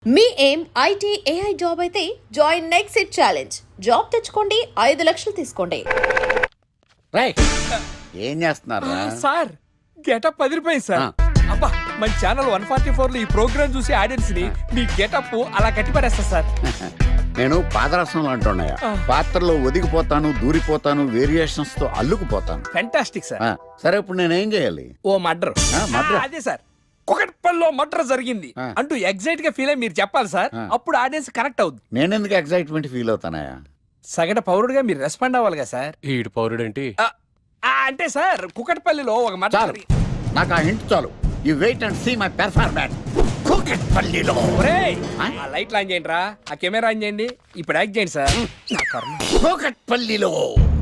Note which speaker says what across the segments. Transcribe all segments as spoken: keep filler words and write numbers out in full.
Speaker 1: మీ ఏం IT AI job అయితే join next it challenge. Job తెచ్చుకోండి, ఐదు లక్షలు తీసుకోండి.
Speaker 2: రైట్, ఏం చేస్తున్నారు
Speaker 3: సార్? గెటప్ పది రూపాయలు సార్. అబ్బా, మన ఛానల్ వన్ ఫార్టీ ఫోర్ లో ఈ ప్రోగ్రామ్ చూసి ఆడియన్స్ ని మీ గెటప్ అలా కట్టి పడేస్తా సార్.
Speaker 2: నేను పాదరసం అంటున్నాయా, పాత్రలో ఒదిగిపోతాను, దూరిపోతాను, వేరియేషన్స్ తో అల్లుకుపోతాను.
Speaker 3: Fantastic sir.
Speaker 2: సరే, ఇప్పుడు నేనేం చేయాలి?
Speaker 3: ఓ మర్డర్.
Speaker 2: మర్డర్
Speaker 3: అదే సార్, కుకట్పల్లిలో మర్డర్ జరిగింది అంటూ ఎగ్జైట్ గా ఫీల్ అయ్యి మీరు చెప్పాలి సార్. అప్పుడు ఆడియన్స్ కనెక్ట్ అవుద్ది.
Speaker 2: నేను ఎందుకు ఎక్సైట్మెంట్ ఫీల్ అవుతానయా?
Speaker 3: సగట పౌరుడుగా మీరు రెస్పాండ్ అవ్వాలి కదా సార్.
Speaker 4: ఈడు పౌరుడు ఏంటి
Speaker 3: అంటే సార్, కుకట్పల్లిలో ఒక మర్డర్.
Speaker 2: నాకు ఆ హింట్ చాలు. You wait and see my performance. కుకట్పల్లిలో
Speaker 3: ఆ లైట్లు ఆన్ చేయండి రా, ఆ కెమెరా ఆన్ చేయండి, ఇప్పుడు యాక్ట్ చేయండి సార్.
Speaker 2: కుకట్పల్లిలో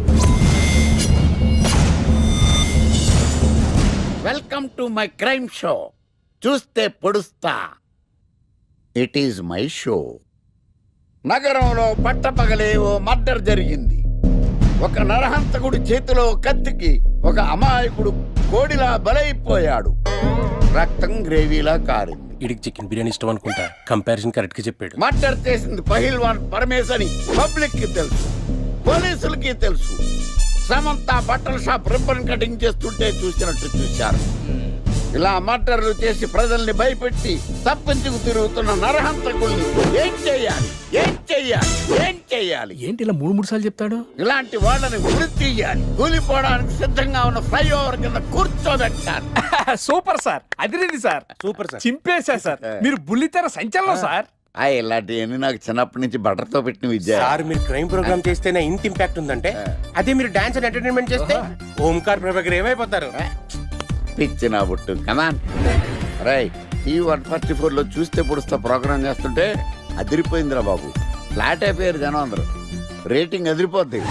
Speaker 2: welcome to my crime show. చూస్తే పొడుస్తా, ఇట్ ఈజ్ మై షో. నగరంలో పట్టపగలే ఓ మర్డర్ జరిగింది. ఒక నరహంతకుడి చేతిలో కత్తికి ఒక అమాయకుడు కోడిలా బలైపోయాడు. రక్తం గ్రేవీలా కారింది.
Speaker 4: ఇడికి చికెన్ బిర్యానీ ఇష్టం అనుకుంటా. కంపారిజన్ కరెక్ట్ గా చెప్పాడు.
Speaker 2: మర్డర్ చేసింది పహిల్వాన్ పరమేశ్ అని పబ్లిక్ కి తెలుసు, పోలీసులకి తెలుసు. సమంత బట్టల షాప్ రిబ్బన్ కటింగ్ చేస్తుంటే చూసినట్టు చూశారు. ఇలా మర్డర్లు చేసి ప్రజల్ని భయపెట్టి తప్పించుకు తిరుగుతున్న నరహంతకుల్ని ఏం చెయ్యాలి, ఏం చెయ్యాలి, ఏం చెయ్యాలి?
Speaker 3: ఏంటి ఇలా మూడు మూడు సార్లు చెప్తాడు?
Speaker 2: ఇలాంటి వాళ్ళని వృత్తి తీయాలి. కూలిపోవడానికి సిద్ధంగా ఉన్న ఫ్లైఓవర్ కింద కూర్చోబెట్టాలి.
Speaker 3: సూపర్ సార్, అదిరింది సార్.
Speaker 4: సూపర్ సార్,
Speaker 3: చింపేశా సార్. మీరు బుల్లితెర సంచలనం సార్.
Speaker 2: ఆ ఇలాంటివన్నీ నాకు చిన్నప్పటి నుంచి బట్టర్తో పెట్టిన విద్య.
Speaker 4: సార్ మీరు క్రైమ్ ప్రోగ్రామ్ చేస్తేనే ఇంత ఇంపాక్ట్ ఉందంటే, అదే మీరు డాన్స్ అండ్ ఎంటర్టైన్మెంట్ చేస్తే ఓంకార్ ప్రభాకర్ ఏమైపోతారు?
Speaker 2: పిచ్చిన బుట్టు కమాన్. రై, ఈ వన్ ఫార్టీ ఫోర్ లో చూస్తే పొడుస్తా ప్రోగ్రామ్ చేస్తుంటే అదిరిపోయిందిరా బాబు. ఫ్లాట్ అయిపోయారు జనం అందరూ. రేటింగ్ అదిరిపోద్ది.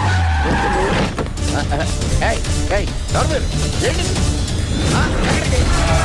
Speaker 2: ఏయ్, ఏయ్, ఎవరు మీరు? ఏంటి? ఆ, ఎక్కడికి?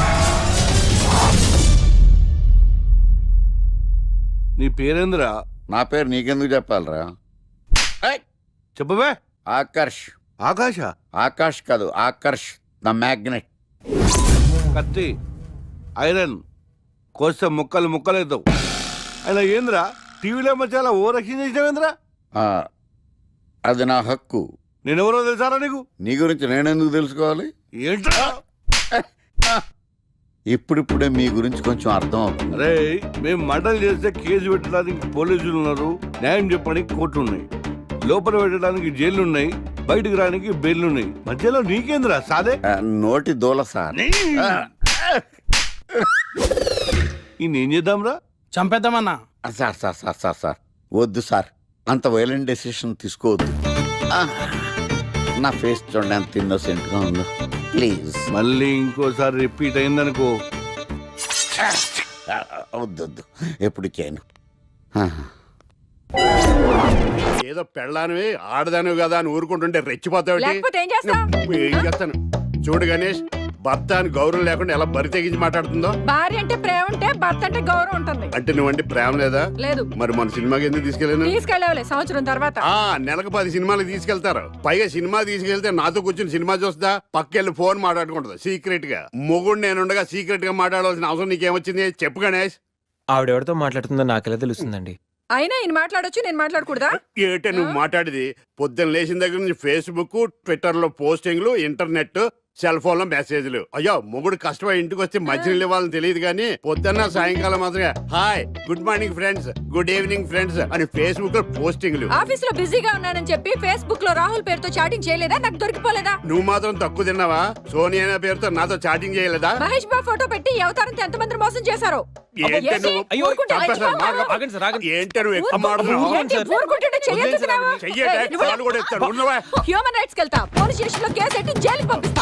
Speaker 5: నీ పేరేంద్రా?
Speaker 2: నా పేరు నీకెందుకు చెప్పాలరా?
Speaker 5: చెప్పవే.
Speaker 2: ఆకర్ష్.
Speaker 5: ఆకాశ?
Speaker 2: ఆకాష్ కాదు, ఆకర్ష్ ద మ్యాగ్నెట్.
Speaker 5: కత్తి, ఐరన్ కోస్తే ముక్కలు ముక్కలవుతావు. అయినా ఏంద్రా టీవీలో మధ్య ఓ రక్షణ చేసినావేంద్రా?
Speaker 2: అది నా హక్కు.
Speaker 5: నేనెవరో తెలుసారా నీకు?
Speaker 2: నీ గురించి నేనెందుకు తెలుసుకోవాలి?
Speaker 5: ఏంట్రా?
Speaker 2: ఇప్పుడిప్పుడే మీ గురించి కొంచెం అర్థం అవుతుంది.
Speaker 5: అరే, మేము మర్డర్ చేస్తే కేసు పెట్టడానికి పోలీసులు ఉన్నారు, న్యాయం చెప్పడానికి కోర్టు ఉన్నాయి, లోపల పెట్టడానికి జైలు ఉన్నాయి, బయటకు రానికి బెయిల్ ఉన్నాయి. మధ్యలో నీకేంద్రా సాదే?
Speaker 2: నోటి దూల సార్.
Speaker 5: ఈయనేం చేద్దాంరా?
Speaker 3: చంపేద్దామన్నా.
Speaker 2: Sir sir sir sir sir వద్దు సార్, అంత వైలెంట్ డెసిషన్ తీసుకోవద్దు. నా ఫేస్ చూడండి ఎంత ఇన్నోసెంట్ గా ఉందో. ప్లీజ్
Speaker 5: మళ్ళీ ఇంకోసారి రిపీట్ అయిందనుకో.
Speaker 2: వద్దు వద్దు, ఎప్పుడు చేయను.
Speaker 6: ఏదో పెళ్ళానివి ఆడదానివి కదా అని ఊరుకుంటుంటే రెచ్చిపోతావు. ఏం చేస్తాను చూడు గణేష్, భర్త అని గౌరవం లేకుండా ఎలా బరి తెగించి మాట్లాడుతుందో.
Speaker 7: భార్య అంటే ప్రేమ ఉంటే భర్త అంటే గౌరవం ఉంటుంది.
Speaker 6: అంటే నువ్వంటే ప్రేమ లేదా?
Speaker 7: లేదు.
Speaker 6: మరి మన సినిమాకి ఎందుకు తీసుకెళ్ళాను?
Speaker 7: తీసుకెళ్ళవలే సంవత్సరం తర్వాత.
Speaker 6: ఆ నెలకు పది సినిమాలు తీసుకెళ్తారు. పైగా సినిమా తీసుకెళ్తే నాతో కూర్చుని సినిమా చూస్తా, పక్కెళ్ళి ఫోన్ మాట్లాడుకుంటుంది సీక్రెట్ గా. మొగుడు నేనుండగా సీక్రెట్ గా మాట్లాడాల్సిన అవసరం నీకేమొచ్చింది చెప్పు గణేష్.
Speaker 8: ఆవిడెవరితో మాట్లాడుతుందో నాకెలా తెలుస్తుందండి?
Speaker 7: అయినా ఈయన మాట్లాడొచ్చు, నేను మాట్లాడకూడదా?
Speaker 6: ఏటే నువ్వు మాట్లాడేది? పొద్దున్న లేచిన దగ్గర నుంచి ఫేస్బుక్, ట్విట్టర్ లో పోస్టింగ్లు, ఇంటర్నెట్, సెల్ ఫోన్ లో మెసేజ్లు. అయ్యో, మొగుడు కష్టమై ఇంటికి వస్తే మధ్యలో ఇవ్వాలని తెలియదు కానీ పొద్దున్న సాయంకాలం మాత్రమే hi, good morning friends, good evening friends అని ఫేస్బుక్ లో పోస్టింగ్లు.
Speaker 7: ఆఫీస్ లో బిజీగా ఉన్నానని చెప్పి ఫేస్బుక్ లో రాహుల్ పేరుతో చాటింగ్ చేయలేదా? నాకు దొరికిపోలేదా?
Speaker 6: నువ్వు మాత్రం తక్కువ తిన్నావా? సోనియా అనే పేరుతో నాతో చాటింగ్ చేయలేదా?
Speaker 7: మహేష్ బాబు ఫోటో పెట్టి ఈ అవతారంతో ఎంత మంది మోసం చేశారు?
Speaker 6: ఏంటే నువ్వు ఏంటే నువ్వు ఎక్కువ మాట్లాడుతున్నావు?
Speaker 7: హ్యూమన్ రైట్స్ కెళ్తా, పోలీస్ స్టేషన్ లో కేసు పెట్టి జైలుకి పంపిస్తా.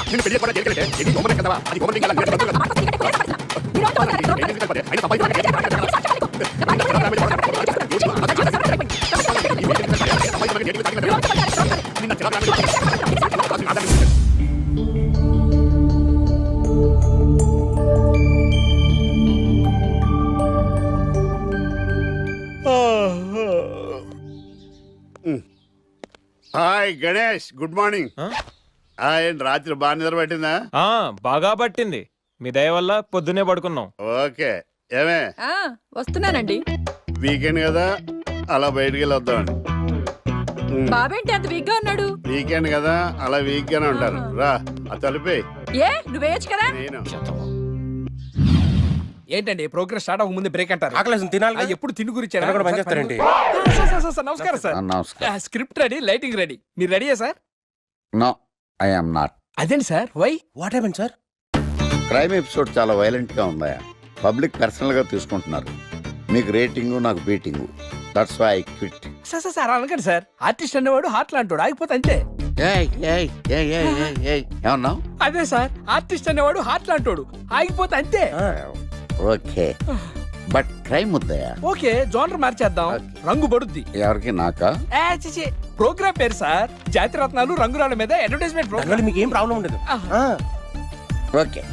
Speaker 6: Hi Ganesh, good morning. రాత్రి బాగా నిద్ర పట్టిందా?
Speaker 8: బాగా పట్టింది. మీ దయ వల్ల పొద్దునే పడుకున్నాం.
Speaker 6: ఓకే, ఏమే
Speaker 7: ఆ వస్తున్నానండి.
Speaker 6: వీకెండ్ కదా అలా బయటికి వెళ్ళొద్దామని. ఉమ్,
Speaker 7: బాబేంటి అంత వీక్ గా ఉన్నాడు?
Speaker 6: వీకెండ్ కదా అలా వీక్ గానే ఉంటారు. రా ఆ తలిపే
Speaker 7: ఏ నువ్వేయచ్చు కదా.
Speaker 6: నేను
Speaker 3: ఏంటండి ప్రోగ్రెస్ స్టార్ట్ అవ్వక ముందే బ్రేక్ అంటారు?
Speaker 4: ఆకలేసం తినాలి
Speaker 3: ఆ,
Speaker 4: కదా?
Speaker 3: ఎప్పుడు తిని గురించి
Speaker 4: తినడం కూడా పనిచేస్తారేంటి?
Speaker 3: నమస్కారం సార్.
Speaker 2: ఆ, నమస్కారం.
Speaker 3: Script ready, lighting ready. మీరు రెడీయా sir?
Speaker 2: No I am not.
Speaker 3: అదేంటి sir, why?
Speaker 4: What happen sir?
Speaker 2: Crime episode చాలా వైలెంట్ గా ఉందా? పబ్లిక్ పర్సనల్ గా తీసుకుంటున్నారు. మీకు రేటింగ్, నాకు beating. That's why I quit.
Speaker 3: Sir sir sir అనకండి సార్. ఆర్టిస్ట్ అనేవాడు హార్ట్ లాంటాడు, ఆగిపోతే అంతే.
Speaker 2: ఏమన్నావు?
Speaker 3: అదే సార్, ఆర్టిస్ట్ అనేవాడు హార్ట్ లాంటాడు, ఆగిపోతే అంతే.
Speaker 2: ఓకే, బట్ క్రైమ్ వద్దయా?
Speaker 3: ఓకే, జోనర్ మార్చేద్దాం, రంగు పడుద్ది.
Speaker 2: ఎవరికి? నాకా?
Speaker 3: ఏ, చిచి, ప్రోగ్రామ్ పేరు సార్ జాతి రత్నాలు రంగురాళ్ళ మీద అడ్వర్టైజ్మెంట్
Speaker 4: దానివల్ల
Speaker 3: ప్రోగ్రామ్.
Speaker 4: మీకు ఏం ప్రాబ్లం ఉండదు. ఆ.
Speaker 2: ఓకే.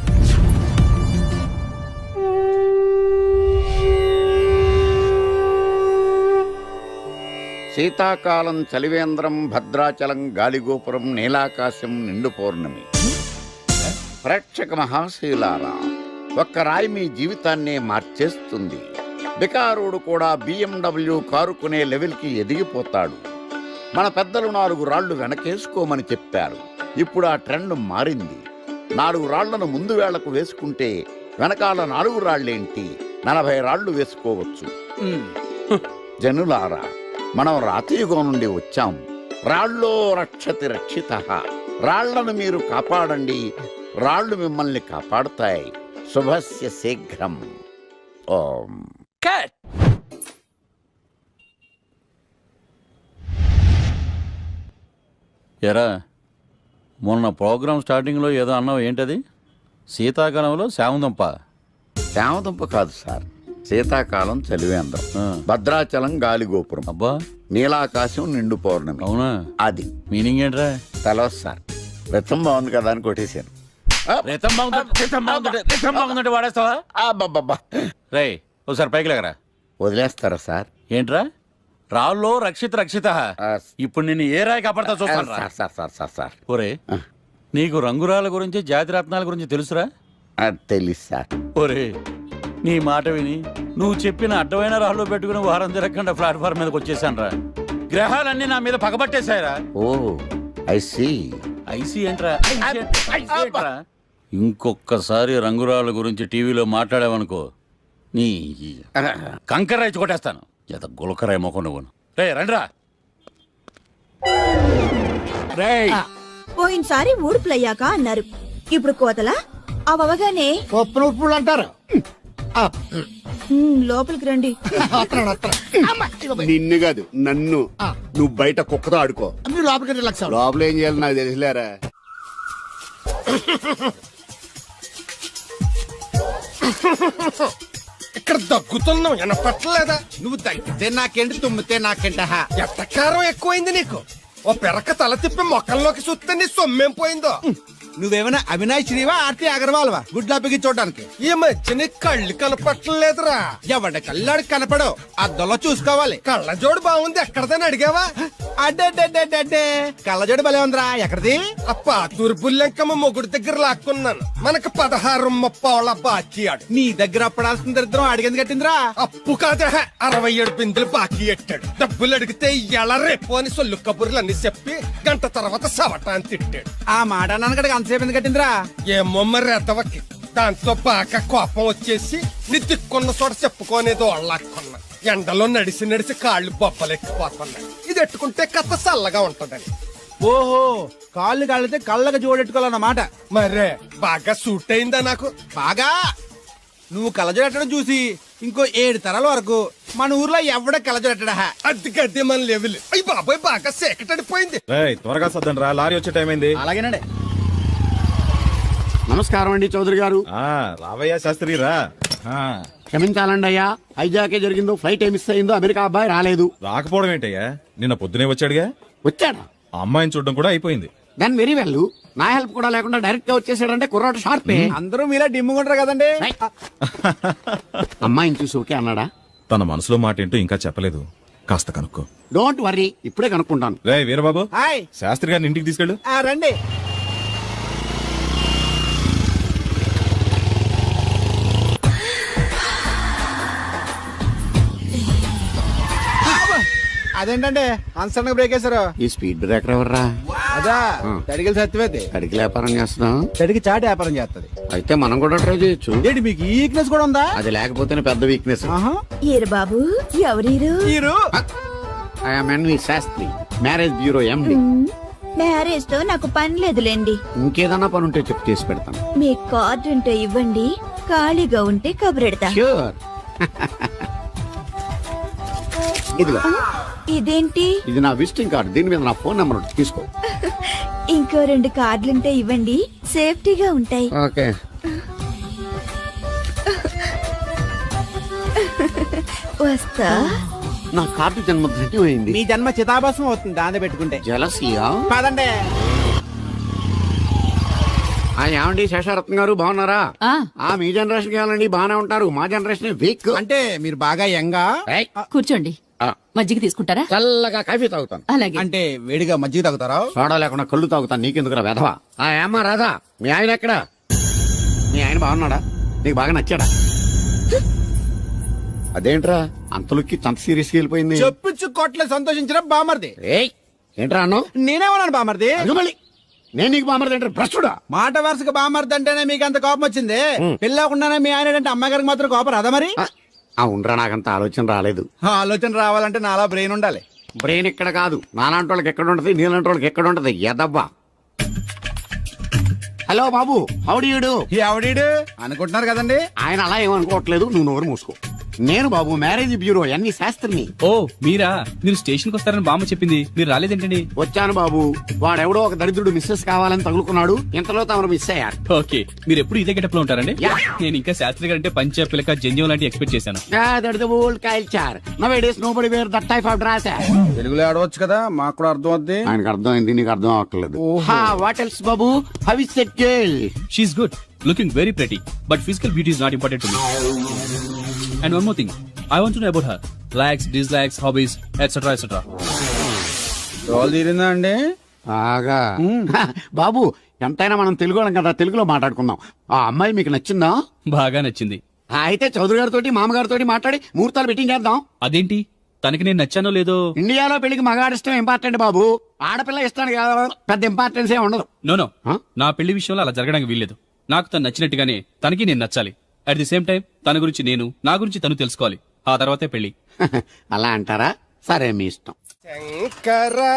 Speaker 2: శీతాకాలం చలివేంద్రం, భద్రాచలం గాలిగోపురం, నీలాకాశం, నిండు పౌర్ణమి. ప్రేక్షక మహాశీలారా, ఒక్క రాయి మీ జీవితాన్నే మార్చేస్తుంది. బికారోడు కూడా బిఎండబ్ల్యూ కారు కొనే లెవెల్కి ఎదిగిపోతాడు. మన పెద్దలు నాలుగు రాళ్లు వెనకేసుకోమని చెప్పారు. ఇప్పుడు ఆ ట్రెండ్ మారింది. నాలుగు రాళ్లను ముందు వేళ్లకు వేసుకుంటే వెనకాల నాలుగు రాళ్లేంటి, నలభై రాళ్లు వేసుకోవచ్చు. జనులారా, మనం రాతియుగం నుండి వచ్చాం. రాళ్ళో రక్షతి రక్షిత. రాళ్లను మీరు కాపాడండి, రాళ్లు మిమ్మల్ని కాపాడుతాయి. శుభస్య శీఘ్రం. ఓం.
Speaker 3: కట్.
Speaker 9: ఎరా, మొన్న ప్రోగ్రామ్ స్టార్టింగ్లో ఏదో అన్నావు, ఏంటది? శీతాకాలంలో శామందంప.
Speaker 2: శామదుంప కాదు సార్, శీతాకాలం చలివేంద్రం,
Speaker 9: ఆ.
Speaker 2: భద్రాచలం గాలిగోపురం,
Speaker 9: అబ్బా,
Speaker 2: నీలాకాశం, నిండు పౌర్ణమి.
Speaker 9: అవునా?
Speaker 2: అది
Speaker 9: మీనింగ్ ఏంట్రా?
Speaker 2: తెలవదు సార్. రతం బాగుంది కదా అని కొట్టేశాను.
Speaker 9: రితం బాగుందంటే రితం బాగుందంటే రితం బాగుందంటే వాడేస్తావా?
Speaker 2: అబ్బబ్బబ్బా.
Speaker 9: రేయ్, ఒకసారి పైకి లేకరా.
Speaker 2: వదిలేస్తారా సార్?
Speaker 9: ఏంట్రా? రాళ్ళో రక్షిత రక్షిత.
Speaker 2: ఆ,
Speaker 9: ఇప్పుడు నిన్ను ఏ రాయి కాపాడతా చూస్తాను.
Speaker 2: Sir sir sir sir sir
Speaker 9: ఒరే, నీకు రంగురాల గురించి, జాతి రత్నాల గురించి తెలుసురా?
Speaker 2: ఆ, తెలీదు సార్.
Speaker 9: ఒరే, నీ మాట విని నువ్వు చెప్పిన అడ్డమైన రాళ్ళు పెట్టుకుని వారం తిరగకుండా ప్లాట్ఫామ్ మీదకి వచ్చేసాను రా. గ్రహాలన్నీ నా మీద పగబట్టేశాయరా.
Speaker 2: ఓ ఐ సీ.
Speaker 9: ఐసీ ఏంట్రా? ఐసీ ఏంట్రా? ఇంకొక్కసారి రంగురాళ్ళ గురించి టీవీలో మాట్లాడావనుకో, నీ కంకర రైచి కొట్టేస్తాను. ఎంత గులకరాయి మొక్క నువ్వు. రే రండిరా.
Speaker 3: రేయ్,
Speaker 10: పోయినసారి ఊడుపులయ్యాక అన్నారు, ఇప్పుడు కోతలా అవగానే
Speaker 11: ఉప్పులు అంటారు.
Speaker 10: లోపలికి రండి.
Speaker 6: నిన్ను కాదు నన్ను. నువ్వు బయట కుక్కతో ఆడుకో.
Speaker 11: మీరు లోపలికి రిలాక్స్ అవ్వండి.
Speaker 6: లోపల ఏం చేయాలి నాకు తెలిసిలేరా.
Speaker 11: ఇక్కడ దగ్గుతున్నావు వినపట్టలేదా?
Speaker 6: నువ్వు తగ్గితే నాకేంటి, తుమ్మితే నాకేంట.
Speaker 11: ఎట్టకారం ఎక్కువైంది నీకు. ఓ పెరక తల తిప్పి మొక్కల్లోకి చూస్తే నీ సొమ్మేం పోయిందో.
Speaker 6: నువ్వేమైనా అవినాష్ శ్రీవా, ఆర్తి అగర్వాల్ వా గుడ్లా చూడడానికి?
Speaker 11: ఈ మధ్య నీ కళ్ళు కనపట్టలేదురా.
Speaker 6: ఎవడ కళ్ళాడు కనపడవు, అద్దంలో చూసుకోవాలి.
Speaker 11: కళ్ళజోడు బాగుంది, ఎక్కడదని అడిగావా?
Speaker 6: అడ్డే కళ్ళజోడు భలే ఉందిరా. ఎక్కడిది?
Speaker 11: అప్ప తూర్పుల్లెంకమ్మ మొగుడు దగ్గర లాక్కున్నాను. మనకు పదహారు ముప్పావుల బాకీ ఆడు.
Speaker 6: నీ దగ్గర అప్పడాల్సిన దరిద్రం అడిగింది కట్టిందిరా.
Speaker 11: అప్పు కాదా, అరవై ఏడు బిందులు బాకీ ఎట్టాడు. డబ్బులు అడిగితే ఎలా రేపు అని సొల్లు కబుర్లు అన్ని చెప్పి గంట తర్వాత సవటాన్ని తిట్టాడు.
Speaker 6: ఆ మాట అన్నాను అంతసేపు ఎందుకు కట్టిందిరా?
Speaker 11: ఏమో మరి ఎదవకి. దాంతో బాగా కోపం వచ్చేసి నీ దిక్కున్న చోట చెప్పుకోనేదో వాళ్ళకున్నా. ఎండలో నడిసి నడిసి కాళ్ళు బొబ్బలెక్కిపోతున్నాయి. ఇది ఎట్టుకుంటే కథ చల్లగా ఉంటదని.
Speaker 6: ఓహో, కాళ్ళు కాళ్ళతే కళ్ళగా జోడెట్టుకోవాలన్నమాట.
Speaker 11: మరే బాగా సూట్ అయిందా నాకు?
Speaker 6: బాగా. నువ్వు కళ్ళజోడెట్టడం చూసి ఇంకో ఏడు తరాల వరకు మన ఊర్లో ఎవడ కళ్ళజోడెట్టడా.
Speaker 11: అది గడ్డి మన లెవెల్. అయ్యి బాబాయ్ బాగా సేకటడిపోయింది.
Speaker 12: త్వరగా సర్దండి రా, లారీ వచ్చే టైం అయింది.
Speaker 6: అలాగేనండి.
Speaker 11: నమస్కారం అండి చౌదరి గారు.
Speaker 12: రావయ్యా శాస్త్రి రా.
Speaker 11: క్షమించాలండి అయ్యా, హైజాకే జరిగిందో, ఫ్లైట్ ఏమి మిస్ అయిందో, అమెరికా అబ్బాయి రాలేదు.
Speaker 12: రాకపోవడం ఏంటయ్యా, నిన్న పొద్దునే వచ్చాడుగా.
Speaker 11: వచ్చాడా?
Speaker 12: ఆ అమ్మాయిని చూడడం కూడా అయిపోయింది.
Speaker 11: దాని వెరీ వెల్. నా హెల్ప్ కూడా లేకుండా డైరెక్ట్ గా వచ్చేసాడంటే కుర్రాడు షార్పే.
Speaker 6: అందరూ మీలా డిమ్ముకుంటారు కదండి.
Speaker 11: అమ్మాయిని చూసి ఓకే అన్నాడా?
Speaker 12: తన మనసులో మాట ఏంటో ఇంకా చెప్పలేదు, కాస్త కనుక్కో.
Speaker 11: డోంట్ వర్రీ, ఇప్పుడే కనుక్కుంటాను.
Speaker 12: రే వీరబాబు,
Speaker 6: హాయ్.
Speaker 12: శాస్త్రి గారిని ఇంటికి తీసుకెళ్ళు.
Speaker 6: ఆ, రండి.
Speaker 11: అదేంటండి అన్సడన్ బ్రేక్ వేశారు.
Speaker 2: ఈ స్పీడ్ బ్రేకర్ ఎవర్రా?
Speaker 11: అదా తడిగిల సత్యవేతి
Speaker 2: కడికి వ్యాపారం చేస్తున్నాం.
Speaker 11: తడికి చాటి వ్యాపారం చేస్తది.
Speaker 2: అయితే మనం కూడా ట్రై చేయొచ్చు.
Speaker 11: ఏంటి మీకు ఈ వీక్నెస్ కూడా ఉందా?
Speaker 2: అది లేకపోతేనే పెద్ద వీక్నెస్.
Speaker 10: ఈరు బాబు ఎవరీరు?
Speaker 11: మీరు
Speaker 2: I'm N V Sastri, marriage bureau MD.
Speaker 10: Marriage తో నాకు పని లేదులేండి.
Speaker 2: ఇంకేదన్నా పని ఉంటే చెప్పు, చేసి పెడతాను.
Speaker 10: మీ కార్డు ఉంటే ఇవ్వండి, ఖాళీగా ఉంటే కబురెడతా.
Speaker 2: ష్యూర్. ఇదిగో,
Speaker 10: ఇదేంటి?
Speaker 2: ఇది నా విజిటింగ్ కార్డు. దీని మీద నా ఫోన్ నెంబర్ ఉంటుంది, తీసుకో.
Speaker 10: ఇంకో రెండు కార్డులుంటే ఇవ్వండి, సేఫ్టీగా ఉంటాయి.
Speaker 2: ఓకే.
Speaker 10: వస్తా.
Speaker 2: నా కార్డు జన్మ ధన్యమైంది.
Speaker 11: మీ జన్మ చితాభాసం అవుతుంది దాన్ని పెట్టుకుంటే.
Speaker 2: జలసియా?
Speaker 11: కాదండి.
Speaker 2: ఆ ఏమండి శేషారత్న గారు బాగున్నారా?
Speaker 7: ఆ
Speaker 2: ఆ మీ జనరేషన్ కావాలండి, బాగానే ఉంటారు. మా జనరేషన్ వీక్.
Speaker 11: అంటే మీరు బాగా యంగా.
Speaker 7: కూర్చోండి. మజ్జిగ తీసుకుంటారా?
Speaker 2: చల్లగా కాఫీ తాగుతాను.
Speaker 7: అలాగే.
Speaker 11: అంటే వేడిగా మజ్జిగ తాగుతారా?
Speaker 2: సోడా లేకుండా కళ్ళు తాగుతాను. నీకెందుకురా వెధవా? ఆ ఏమ్మా రాధా, మీ ఆయన ఎక్కడా? మీ ఆయన బాగున్నాడా? నీకు బాగా నచ్చాడా? అదేంట్రా అంతలోకి అంత సీరియస్ గా వెళ్ళిపోయింది?
Speaker 11: చెప్పించు కొట్ల సంతోషించిన బామర్ది.
Speaker 2: ఏయ్ ఏంట్రా అన్నావు?
Speaker 11: నేనేమన్నాను బామర్ది?
Speaker 2: అదిగోమలి, నేను నీకు బామర్ది అంటే భ్రష్టుడా?
Speaker 11: మాట వరుసగా బామర్ది అంటేనే మీకు అంత కోపం వచ్చింది. పిల్లకుండానే మీ ఆయన అంటే అమ్మగారికి మాత్రం కోపం రాదా మరి?
Speaker 2: ఆ ఉండరా, నాకంత ఆలోచన రాలేదు.
Speaker 11: ఆ ఆలోచన రావాలంటే నాలా బ్రెయిన్ ఉండాలి.
Speaker 2: బ్రెయిన్ ఇక్కడ కాదు, నాలాంటి వాళ్ళకి ఎక్కడ ఉంటది, నీలాంటి వాళ్ళకి ఎక్కడ ఉంటది. ఎదవ్వా. హలో బాబు, హౌడీయుడు.
Speaker 11: ఎవడీడు అనుకుంటున్నారు కదండి.
Speaker 2: ఆయన అలా ఏమనుకోవట్లేదు, నువ్వు నోరు మూసుకో. నేను బాబు మ్యారేజ్ బ్యూరో ఎన్ని శాస్త్రిని.
Speaker 3: ఓ మీరా? మీరు స్టేషన్ కి వస్తారని బామ్మ చెప్పింది, మీరు రాలేదేంటండి?
Speaker 2: వచ్చాను బాబు. వాడెవడో ఒక దరిద్రుడు మిస్సెస్ కావాలని తగులుకున్నాడు, ఇంతలో తమరు మిస్ అయ్యారు.
Speaker 3: ఓకే, మీరు ఎప్పుడు ఇదే గెటప్ లో ఉంటారండి?
Speaker 2: యా.
Speaker 3: నేను ఇంకా శాస్త్రి గారు అంటే పంచ పిలక జంజం లాంటి ఎక్స్పెక్ట్ చేశాను.
Speaker 2: Old culture nowadays nobody wear that type of dress.
Speaker 11: తెలుగులో ఆడవచ్చు కదా, మాకు కూడా అర్థం అవుద్ది.
Speaker 2: ఆయనకు అర్థమైంది, నీకు అర్థం అవ్వట్లేదు. వాట్ ఎల్స్ బాబు? How is set girl?
Speaker 3: She is good, looking very pretty, but physical beauty is not important to me. And one more thing, I want to know about her likes, dislikes, hobbies, et cetera et cetera.
Speaker 11: Role తీరిందా అండి?
Speaker 2: బాగా. బాబు ఎంతైనా మనం తెలుగు కదా, తెలుగులో మాట్లాడుకుందాం. ఆ అమ్మాయి మీకు నచ్చిందా?
Speaker 3: బాగా నచ్చింది.
Speaker 2: అయితే చౌదరి గారితో మామగారితో మాట్లాడి ముహూర్తాలు పెట్టింగ్ చేద్దాం.
Speaker 3: అదేంటి, తనకి నేను నచ్చానో లేదో?
Speaker 2: ఇండియాలో పెళ్లికి మగాడి ఇష్టం ఇంపార్టెంట్ బాబు, ఆడపిల్ల ఇష్టానికి పెద్ద ఇంపార్టెన్స్ ఏ ఉండదు.
Speaker 3: No no,
Speaker 2: Huh?
Speaker 3: నా పెళ్లి విషయంలో అలా జరగడానికి వీల్లేదు. నాకు తను నచ్చినట్టుగానే తనకి నేను నచ్చాలి. అట్ ది సేమ్ టైం తన గురించి నేను, నా గురించి తను తెలుసుకోవాలి. ఆ తర్వాతే పెళ్లి.
Speaker 2: అలా అంటారా? సరే మీ ఇష్టం.
Speaker 11: శంకరా,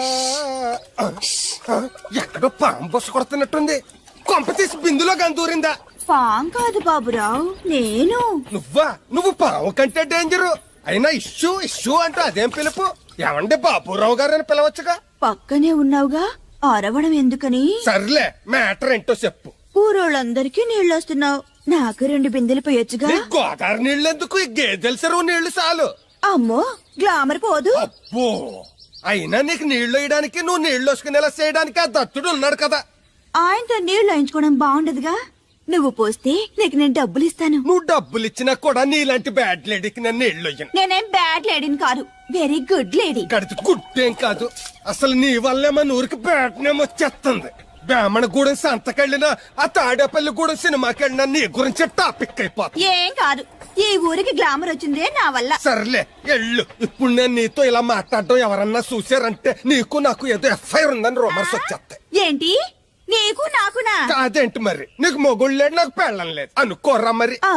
Speaker 11: ఎక్కడో పాము బొస్సు కొడుతున్నట్టుంది. కొంప తీసి బిందులో గందూరిందా?
Speaker 10: పాం కాదు బాబురావు, నేను.
Speaker 11: నువ్వా? నువ్వు పాము కంటే డేంజరు. అయినా ఇష్యూ ఇష్యూ అంటూ అదేం పిలుపు? ఏమండి బాబురావు గారు అని పిలవచ్చుగా.
Speaker 10: పక్కనే ఉన్నావుగా, అరవడం ఎందుకని?
Speaker 11: సర్లే, మ్యాటర్ ఏంటో చెప్పు.
Speaker 10: ఊరోళ్ళందరికీ నీళ్ళొస్తున్నావు, నాకు రెండు బిందెలు పోయొచ్చుగా.
Speaker 11: నీ గోదావరి నీళ్ళెందుకు? ఈ గేదెల చెరువు నీళ్లు చాలు.
Speaker 10: అమ్మో, గ్లామర్ పోదు.
Speaker 11: అబ్బో, అయినా నీకు నీళ్లు వేయడానికి, నువ్వు నీళ్లు వసుకునేలా చేయడానికి ఆ దత్తుడు ఉన్నాడు కదా.
Speaker 10: ఆయనతో నీళ్లు వేయించుకోవడం బాగుండదుగా. నువ్వు పోస్తే నీకు నేను డబ్బులు ఇస్తాను.
Speaker 11: నువ్వు డబ్బులు ఇచ్చినా కూడా నీలాంటి బ్యాడ్ లేడీకి నేను నీళ్లు ఇయ్యను.
Speaker 10: నేనేం బ్యాడ్ లేడీని కాదు, వెరీ గుడ్ లేడీ.
Speaker 11: గడిచి గుడ్డేం కాదు, అసలు నీ వల్లే మన ఊరికి బ్యాడ్ నేమ్ వచ్చేస్తుంది. బ్రాహ్మణగూడెం సంతకెళ్ళినా, ఆ తాడేపల్లిగూడెం సినిమాకెళ్ళినా నీ గురించి టాపిక్ అయిపోతుంది.
Speaker 10: ఏం కాదు, ఈ ఊరికి గ్లామర్ వచ్చిందే నా వల్ల.
Speaker 11: సర్లే ఎళ్ళు. ఇప్పుడు నేను నీతో ఇలా మాట్లాడడం ఎవరన్నా చూసారంటే నీకు నాకు ఏదో ఎఫ్ఐఆర్ ఉందని రూమర్స్ వచ్చేస్తాయి.
Speaker 10: ఏంటి, నీకు నాకునా?
Speaker 11: అదేంటి మరి, నీకు మొగుళ్ళు లేదు, నాకు పెళ్ళం లేదు అనుకోరా మరి.